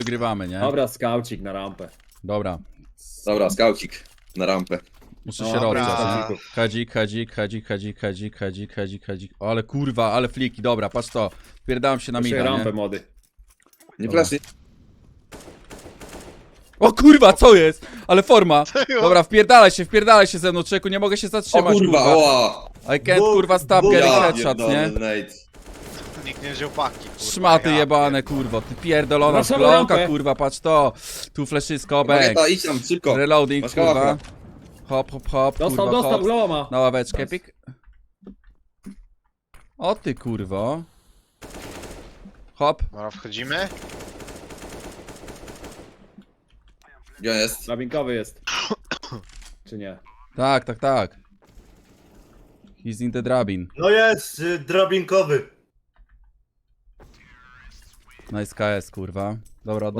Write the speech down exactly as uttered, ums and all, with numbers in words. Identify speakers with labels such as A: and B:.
A: wygrywamy, nie?
B: Dobra, skaucik na rampę.
A: Dobra.
C: Dobra, skaucik na rampę.
A: Muszę
B: No,
A: się
B: dobra.
A: rozgrzać, nie? Hadzik, hadzik, hadzik, hadzik, hadzik, hadzik, hadzik, hadzik. O, ale kurwa, ale fliki, dobra, patrz to. Wpierdałem się na
B: Muszę
A: mida,
B: rampę
A: nie?
B: mody.
C: Nie
A: Dobra.
C: flash,
A: O kurwa, co jest? Ale forma. Dobra, wpierdalaj się, wpierdalaj się ze mną, czeku, nie mogę się
C: O
A: zatrzymać,
C: kurwa,
A: kurwa.
C: oła!
A: I can't, kurwa, stop
D: Dwóch-
A: getting
C: Ja
A: headshot,
C: pierdolę,
A: nie?
C: Nate.
D: Nikt nie wziął paki, kurwa.
A: Szmaty
D: ja
A: jebane,
D: pierdolę.
A: kurwa, ty pierdolona
B: Wracamy
A: szklonka,
B: rampę.
A: kurwa, patrz to. Tu fleszysko, bang.
C: Magenta, idź tam, szybko.
A: Reloading,
C: Masz
A: kurwa.
C: kałaka.
A: Hop, hop, hop,
B: Dostał,
A: kurwa,
B: dostał,
A: hop.
B: glowa ma.
A: Na ławeczkę, pik. O ty, kurwo. Hop.
D: Dobra, wchodzimy.
C: Gdzie on jest?
B: Drabinkowy jest. Czy nie?
A: Tak, tak, tak. He's in the drabin.
D: No jest, y, drabinkowy.
A: Nice K S, kurwa. Dobra,